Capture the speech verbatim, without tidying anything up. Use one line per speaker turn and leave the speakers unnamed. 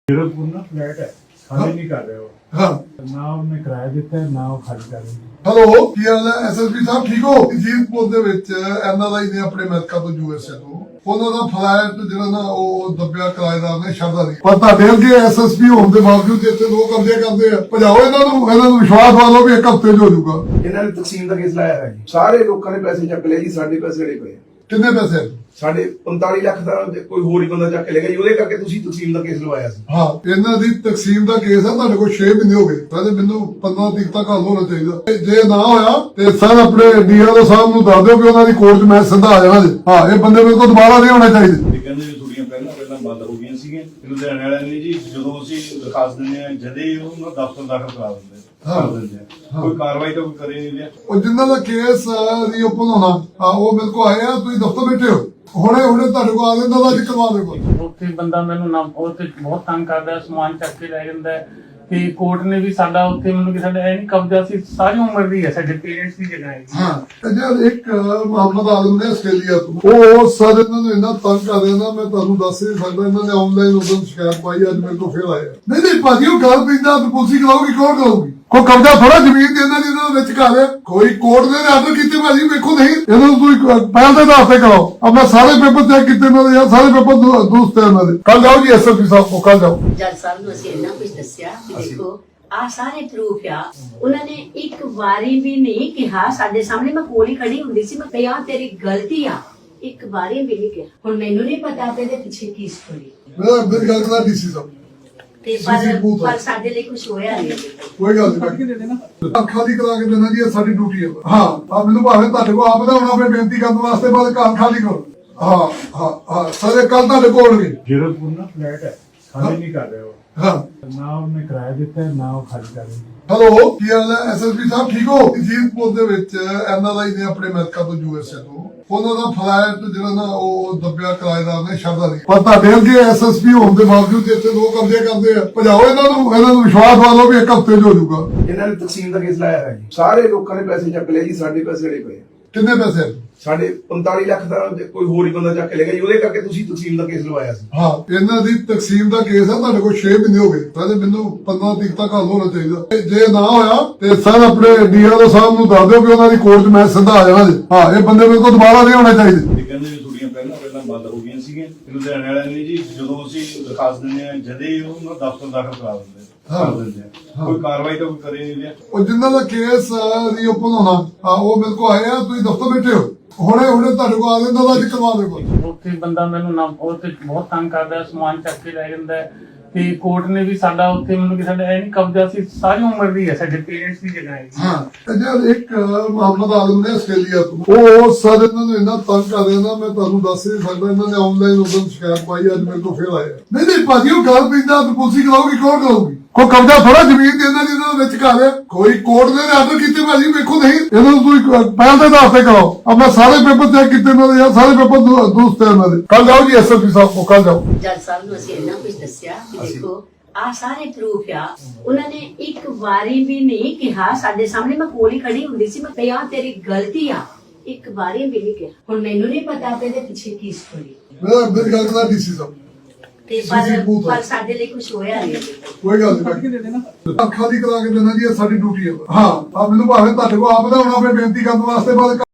हीरोपुर ना फ्लैट है, खाली नहीं कर रहे हो।
हाँ
ना ਉਹਨੇ ਕਿਰਾਇਆ ਦਿੱਤਾ ਹੈ, ਨਾ ਉਹ ਖਾਲੀ ਕਰ ਰਹੇ ਨੇ।
ਹੈਲੋ ਕੀ ਹਾਲ ਹੈ ਐਸਐਸਪੀ ਸਾਹਿਬ ਠੀਕ ਹੋ? ਜੀਤਪੁਰ ਦੇ ਵਿੱਚ ਐਨਆਰਆਈ ਨੇ ਆਪਣੇ ਅਮਰੀਕਾ ਤੋਂ ਯੂਐਸਏ ਤੋਂ ਉਹਨਾਂ ਦਾ ਫਲੈਟ ਜਿਹੜਾ ਨਾ ਉਹ ਦੱਬਿਆ ਕਿਰਾਏਦਾਰ ਨੇ ਸ਼ਰਦਾ ਨਹੀਂ। ਪਰ ਤੁਹਾਡੇ ਅੱਗੇ ਐਸਐਸਪੀ ਹੋਣ ਦੇ ਬਾਵਜੂਦ ਇੱਥੇ ਲੋਕ ਕਬਜ਼ੇ ਕਰਦੇ ਆ। ਭਜਾਓ ਇਹਨਾਂ ਨੂੰ, ਇਹਨਾਂ ਨੂੰ ਵਿਸ਼ਵਾਸ ਵਾਲੋ ਵੀ ਇੱਕ ਹਫ਼ਤੇ ਚ ਹੋ ਜਾਊਗਾ।
ਇਹਨਾਂ ਨੇ ਤਕਸੀਮ ਦਾ ਕੇਸ ਲਾਇਆ ਹੈ ਜੀ। ਸਾਰੇ ਲੋਕਾਂ ਨੇ ਪੈਸੇ ਚੱਕ ਲਏ ਜੀ, ਸਾਡੇ ਪੈਸੇ ਜਿਹੜੇ ਪਏ
ਕਿੰਨੇ ਪੈਸੇ?
ਸਾਡੇ ਪੰਤਾਲੀ ਲੱਖ ਦਾ ਕੋਈ ਹੋਰ ਹੀ ਬੰਦਾ ਚੱਕ ਲੈ ਗਿਆ ਜੀ। ਉਹਦੇ ਕਰਕੇ ਤੁਸੀਂ ਤਕਸੀਮ ਦਾ ਕੇਸ ਲਵਾਇਆ ਸੀ।
ਹਾਂ ਇਹਨਾਂ ਦੀ ਤਕਸੀਮ ਦਾ ਕੇਸ ਹੈ, ਤੁਹਾਡੇ ਕੋਲ ਛੇ ਮਹੀਨੇ ਹੋ ਗਏ। ਕਹਿੰਦੇ ਮੈਨੂੰ ਪੰਦਰਾਂ ਤਰੀਕ ਤੱਕ ਹੱਲ ਹੋਣਾ ਚਾਹੀਦਾ। ਤੇ ਜੇ ਨਾ ਹੋਇਆ ਤੇ ਸਰ ਆਪਣੇ ਡੀਆਰਓ ਸਾਹਿਬ ਨੂੰ ਦੱਸ ਦਿਓ ਕਿ ਉਹਨਾਂ ਦੀ ਕੋਰਟ 'ਚ ਮੈਂ ਸਿੱਧਾ ਆ ਜਾਣਾ ਜੀ। ਹਾਂ ਇਹ ਬੰਦੇ ਮੇਰੇ ਕੋਲ ਦੁਬਾਰਾ ਨਹੀਂ ਹੋਣੇ ਚਾਹੀਦੇ।
ਇਹ ਕਹਿੰਦੇ ਵੀ ਥੋੜੀਆਂ ਪਹਿਲਾਂ ਪਹਿਲਾਂ ਬੰਦ ਹੋ ਗਈਆਂ ਸੀਗੀਆਂ। ਲੁਧਿਆਣੇ ਵਾਲਿਆਂ ਨੇ ਜੀ ਜਦੋਂ ਅਸੀਂ ਦਰਖਾਸਤ ਦਿੰਦੇ ਆ ਜਦੇ ਹੀ ਉਹਨਾਂ ਦਫ਼ਤਰ ਦਾਖਲ ਕਰਾ ਦਿੰਦੇ
ਹਾਂ।
ਕਰ ਦਿੰਦੇ ਆ। ਕੋਈ ਕਾਰਵਾਈ ਤਾਂ ਕੋਈ ਕਰੇ ਨਹੀਂ ਰਿਹਾ।
ਉਹ ਜਿਨ੍ਹਾਂ ਦਾ ਕੇਸ ਰੀਓਪਨ ਹੋਣਾ ਆ ਉਹ ਮੇਰੇ ਕੋਲ ਆਏ ਆ, ਤੁਸੀਂ ਦਫ਼ਤਰ ਬੈਠੇ ਹੋ, ਹੁਣੇ ਹੁਣੇ ਤੁਹਾਡੇ ਕੋਲ ਆ ਜਾਂਦਾ ਤਾਂ ਅੱਜ ਕਰਵਾ ਦੇਗਾ।
ਉੱਥੇ ਬੰਦਾ ਮੈਨੂੰ ਨਾ ਉੱਥੇ ਬਹੁਤ ਤੰਗ ਕਰਦਾ, ਸਮਾਨ ਚੱਕ ਕੇ ਲੈ ਜਾਂਦਾ ਹੈ ਤੇ ਕੋਰਟ ਨੇ ਵੀ ਸਾਡਾ ਉੱਥੇ ਮੈਨੂੰ ਕਿ ਸਾਡਾ ਇਹ ਨਹੀਂ ਕਬਜ਼ਾ ਸੀ, ਸਾਰੀ ਉਮਰ ਦੀ ਹੈ, ਸਾਡੇ ਪੇਰੈਂਟਸ ਦੀ ਜਗ੍ਹਾ ਹੈ।
ਹਾਂ ਤੇ ਜੇ ਇੱਕ ਮੁਹੰਮਦ ਆਲਮ ਨੇ ਆਸਟ੍ਰੇਲੀਆ ਤੋਂ ਉਹ ਸਰ ਇਹਨਾਂ ਨੂੰ ਇੰਨਾ ਤੰਗ ਕਰ ਰਿਹਾ ਨਾ, ਮੈਂ ਤੁਹਾਨੂੰ ਦੱਸ ਨਹੀਂ ਸਕਦਾ। ਇਹਨਾਂ ਨੇ ਆਨਲਾਈਨ ਉਦੋਂ ਸ਼ਿਕਾਇਤ ਪਾਈ, ਅੱਜ ਮੇਰੇ ਕੋਲ ਫੇਰ ਆਇਆ। ਨਹੀਂ ਨਹੀਂ ਭਾਜੀ ਉਹ ਗੱਲ ਪੈਂਦਾ ਪੁਲਿਸ ਕਰਾਉਗੀ, ਕੌਣ ਕਰਾਉਗੀ? ਕੋਈ ਕਬਜ਼ਾ ਥੋੜਾ ਜ਼ਮੀਨ ਦੇ ਇਹਨਾਂ ਦੀ ਇਹਨਾਂ ਵਿੱਚ ਕਰ ਰਿਹਾ। ਕੋਈ ਕੋਰਟ ਨੇ ਆਰਡਰ ਕੀਤੇ ਭਾਜੀ ਵੇਖੋ, ਨਹੀਂ ਇਹਨਾਂ ਨੂੰ ਤੁਸੀਂ ਪਹਿਲ ਦੇ ਆਧਾਰ ਤੇ ਕਰਾਓ। ਆਪਣਾ ਸਾਰੇ ਪੇਪਰ ਚੈੱਕ ਕੀਤੇ ਇਹਨਾਂ ਦੇ, ਯਾਰ ਸਾਰੇ ਪੇਪਰ ਦੁਰਸਤ ਹੈ ਇਹਨਾਂ ਦੇ। ਕੱਲ ਜਾਓ ਜੀ ਐਸਐਸਪੀ ਸਾਹਿਬ ਕੋਲ, ਕੱਲ ਜਾਓ।
ਜੱਜ ਸਾਹਿਬ ਨੂੰ ਅਸੀਂ ਇੰਨਾ ਕੁਝ ਦੱਸਿਆ ਕਿ ਦੇਖੋ ਆ ਸਾਰੇ ਪ੍ਰੂਫ ਆ। ਉਹਨਾਂ ਨੇ ਇੱਕ ਵਾਰੀ ਵੀ ਨਹੀਂ ਕਿਹਾ ਸਾਡੇ ਸਾਹਮਣੇ, ਮੈਂ ਕੋਲ ਹੀ ਖੜੀ ਹੁੰਦੀ ਸੀ, ਮੈਂ ਕਿਹਾ ਤੇਰੀ ਗਲਤੀ ਆ, ਇੱਕ ਵਾਰੀ ਵੀ ਨਹੀਂ ਕਿਹਾ। ਹੁਣ ਮੈਨੂੰ ਨਹੀਂ ਪਤਾ ਤੇ ਇਹਦੇ ਪਿੱਛੇ ਕੀ ਸਟੋਰੀ
ਮੇਰਾ ਮੇਰੀ ਗੱਲ ਕਰਾ ਡੀਸੀ ਸਾਹਿਬ
ਤੇ ਪਰ ਪਰ ਸਾਡੇ ਲਈ ਕੁਝ ਹੋਇਆ ਨਹੀਂ।
ਕੋਈ ਗੱਲ ਨਹੀਂ, ਖਾਲੀ ਕਰਾ ਕੇ ਦੇਣਾ ਜੀ, ਇਹ ਸਾਡੀ ਡਿਊਟੀ ਹੈ। ਹਾਂ ਆ ਮੈਨੂੰ ਭਾਵੇਂ ਤੁਹਾਡੇ ਕੋਲ ਆਪ ਦਾ ਹੁਣ ਆਪਣੇ ਬੇਨਤੀ ਕਰਨ ਵਾਸਤੇ ਬਾਅਦ ਘਰ ਖਾਲੀ ਕਰੋ। ਹਾਂ ਹਾਂ ਹਾਂ ਸਾਰੇ ਕੱਲ ਤੁਹਾਡੇ ਕੋਲ ਹੋਣਗੇ।
हीरोपुर ना फ्लैट है, खाली नहीं कर रहे हो।
ਹਾਂ
ना ਉਹਨੇ ਕਿਰਾਇਆ ਦਿੱਤਾ ਹੈ, ਨਾ ਉਹ ਖਾਲੀ ਕਰ ਰਹੇ ਨੇ।
ਹੈਲੋ ਕੀ ਹਾਲ ਹੈ ਐਸਐਸਪੀ ਸਾਹਿਬ ਠੀਕ ਹੋ? ਜੀਤਪੁਰ ਦੇ ਵਿੱਚ ਐਨਆਰਆਈ ਨੇ ਆਪਣੇ ਅਮਰੀਕਾ ਤੋਂ ਯੂਐਸਏ ਤੋਂ ਉਹਨਾਂ ਦਾ ਫਲੈਟ ਜਿਹੜਾ ਨਾ ਉਹ ਦੱਬਿਆ ਕਿਰਾਏਦਾਰ ਨੇ ਸ਼ਰਦਾ ਨਹੀਂ। ਪਰ ਤੁਹਾਡੇ ਅੱਗੇ ਐਸਐਸਪੀ ਹੋਣ ਦੇ ਬਾਵਜੂਦ ਇੱਥੇ ਲੋਕ ਕਬਜ਼ੇ ਕਰਦੇ ਆ। ਭਜਾਓ ਇਹਨਾਂ ਨੂੰ, ਇਹਨਾਂ ਨੂੰ ਵਿਸ਼ਵਾਸ ਵਾਲੋ ਵੀ ਇੱਕ ਹਫ਼ਤੇ ਚ ਹੋ ਜਾਊਗਾ।
ਇਹਨਾਂ ਨੇ ਤਕਸੀਮ ਦਾ ਕੇਸ ਲਾਇਆ ਹੈ ਜੀ। ਸਾਰੇ ਲੋਕਾਂ ਨੇ ਪੈਸੇ ਚੱਕ ਲਏ ਜੀ, ਸਾਡੇ ਪੈਸੇ ਜਿਹੜੇ ਪਏ
ਕਿੰਨੇ ਪੈਸੇ?
ਸਾਡੇ ਪੰਤਾਲੀ ਲੱਖ ਦਾ ਕੋਈ ਹੋਰ ਹੀ ਬੰਦਾ ਚੱਕ ਲੈ ਗਿਆ ਜੀ। ਉਹਦੇ ਕਰਕੇ ਤੁਸੀਂ ਤਕਸੀਮ ਦਾ ਕੇਸ ਲਵਾਇਆ ਸੀ।
ਹਾਂ ਇਹਨਾਂ ਦੀ ਤਕਸੀਮ ਦਾ ਕੇਸ ਹੈ, ਤੁਹਾਡੇ ਕੋਲ ਛੇ ਮਹੀਨੇ ਹੋ ਗਏ। ਕਹਿੰਦੇ ਮੈਨੂੰ ਪੰਦਰਾਂ ਤਰੀਕ ਤੱਕ ਹੱਲ ਹੋਣਾ ਚਾਹੀਦਾ। ਤੇ ਜੇ ਨਾ ਹੋਇਆ ਤੇ ਸਰ ਆਪਣੇ ਡੀਆਰਓ ਸਾਹਿਬ ਨੂੰ ਦੱਸ ਦਿਓ ਕਿ ਉਹਨਾਂ ਦੀ ਕੋਰਟ 'ਚ ਮੈਂ ਸਿੱਧਾ ਆ ਜਾਣਾ ਜੀ। ਹਾਂ ਇਹ ਬੰਦੇ ਮੇਰੇ ਕੋਲ ਦੁਬਾਰਾ ਨਹੀਂ ਹੋਣੇ ਚਾਹੀਦੇ।
ਇਹ ਕਹਿੰਦੇ ਵੀ ਥੋੜੀਆਂ ਪਹਿਲਾਂ ਪਹਿਲਾਂ ਬੰਦ ਹੋ ਗਈਆਂ ਸੀਗੀਆਂ। ਲੁਧਿਆਣੇ ਵਾਲਿਆਂ ਨੇ ਜੀ ਜਦੋਂ ਅਸੀਂ ਦਰਖਾਸਤ ਦਿੰਦੇ ਆ ਜਦੇ ਹੀ ਉਹਨਾਂ ਦਫ਼ਤਰ ਦਾਖਲ ਕਰਾ ਦਿੰਦੇ ਕਰ ਦਿੰਦੇ ਆ। ਕੋਈ ਕਾਰਵਾਈ ਤਾਂ ਕੋਈ ਕਰੇ ਨਹੀਂ ਰਿਹਾ।
ਉਹ ਜਿਨ੍ਹਾਂ ਦਾ ਕੇਸ ਰੀਓਪਨ ਹੋਣਾ ਆ ਉਹ ਮੇਰੇ ਕੋਲ ਆਏ ਆ, ਤੁਸੀਂ ਦਫ਼ਤਰ ਬੈਠੇ ਹੋ, ਹੁਣੇ ਹੁਣੇ ਤੁਹਾਡੇ ਕੋਲ ਆ ਜਾਂਦਾ ਤਾਂ ਅੱਜ ਕਰਵਾ ਦੇਗਾ।
ਉੱਥੇ ਬੰਦਾ ਮੈਨੂੰ ਨਾ ਉੱਥੇ ਬਹੁਤ ਤੰਗ ਕਰਦਾ, ਸਮਾਨ ਚੱਕ ਕੇ ਲੈ ਜਾਂਦਾ ਹੈ ਤੇ ਕੋਰਟ ਨੇ ਵੀ ਸਾਡਾ ਉੱਥੇ ਮੈਨੂੰ ਕਿ ਸਾਡਾ ਇਹ ਨਹੀਂ ਕਬਜ਼ਾ ਸੀ, ਸਾਰੀ ਉਮਰ ਦੀ ਹੈ, ਸਾਡੇ ਪੇਰੈਂਟਸ ਦੀ ਜਗ੍ਹਾ ਹੈ।
ਹਾਂ ਤੇ ਜੇ ਇੱਕ ਮੁਹੰਮਦ ਆਲਮ ਨੇ ਆਸਟ੍ਰੇਲੀਆ ਤੋਂ ਉਹ ਸਰ ਇਹਨਾਂ ਨੂੰ ਇੰਨਾ ਤੰਗ ਕਰ ਰਿਹਾ ਨਾ, ਮੈਂ ਤੁਹਾਨੂੰ ਦੱਸ ਨਹੀਂ ਸਕਦਾ। ਇਹਨਾਂ ਨੇ ਆਨਲਾਈਨ ਉਦੋਂ ਸ਼ਿਕਾਇਤ ਪਾਈ, ਅੱਜ ਮੇਰੇ ਕੋਲ ਫੇਰ ਆਇਆ। ਨਹੀਂ ਨਹੀਂ ਭਾਜੀ ਉਹ ਗੱਲ ਪੈਂਦਾ ਪੁਲਿਸ ਕਰਾਉਗੀ, ਕੌਣ ਕਰਾਉਗੀ? ਕੋਈ ਕਬਜ਼ਾ ਥੋੜਾ ਜ਼ਮੀਨ ਦੇ ਇਹਨਾਂ ਦੀ ਇਹਨਾਂ ਵਿੱਚ ਕਰ ਰਿਹਾ। ਕੋਈ ਕੋਰਟ ਨੇ ਆਰਡਰ ਕੀਤੇ ਭਾਜੀ ਵੇਖੋ, ਨਹੀਂ ਇਹਨਾਂ ਨੂੰ ਤੁਸੀਂ ਪਹਿਲ ਦੇ ਆਧਾਰ ਤੇ ਕਰਾਓ। ਆਪਣਾ ਸਾਰੇ ਪੇਪਰ ਚੈੱਕ ਕੀਤੇ ਇਹਨਾਂ ਦੇ, ਯਾਰ ਸਾਰੇ ਪੇਪਰ ਦੁਰਸਤ ਹੈ ਇਹਨਾਂ ਦੇ। ਕੱਲ ਜਾਓ ਜੀ ਐਸਐਸਪੀ ਸਾਹਿਬ ਕੋਲ, ਕੱਲ ਜਾਓ।
ਜੱਜ ਸਾਹਿਬ ਨੂੰ ਅਸੀਂ ਇੰਨਾ ਕੁਝ ਦੱਸਿਆ ਕਿ ਦੇਖੋ ਆ ਸਾਰੇ ਪ੍ਰੂਫ ਆ। ਉਹਨਾਂ ਨੇ ਇੱਕ ਵਾਰੀ ਵੀ ਨਹੀਂ ਕਿਹਾ ਸਾਡੇ ਸਾਹਮਣੇ, ਮੈਂ ਕੋਲ ਹੀ ਖੜੀ ਹੁੰਦੀ ਸੀ, ਮੈਂ ਕਿਹਾ ਤੇਰੀ ਗਲਤੀ ਆ, ਇੱਕ ਵਾਰੀ ਵੀ ਨਹੀਂ ਕਿਹਾ। ਹੁਣ ਮੈਨੂੰ ਨਹੀਂ ਪਤਾ ਤੇ ਇਹਦੇ ਪਿੱਛੇ ਕੀ ਸਟੋਰੀ
ਮੇਰਾ ਮੇਰੀ ਗੱਲ ਕਰਾ ਡੀਸੀ ਸਾਹਿਬ
ਤੇ ਪਰ ਪਰ ਸਾਡੇ ਲਈ ਕੁਝ ਹੋਇਆ ਨਹੀਂ।
ਕੋਈ ਗੱਲ ਨਹੀਂ, ਖਾਲੀ ਕਰਾ ਕੇ ਦੇਣਾ ਜੀ, ਇਹ ਸਾਡੀ ਡਿਊਟੀ ਹੈ। ਹਾਂ ਆ ਮੈਨੂੰ ਭਾਵੇਂ ਤੁਹਾਡੇ ਕੋਲ ਆਪ ਦਾ ਹੁਣ ਆਪਣੇ ਬੇਨਤੀ ਕਰਨ ਵਾਸਤੇ ਬਾਅਦ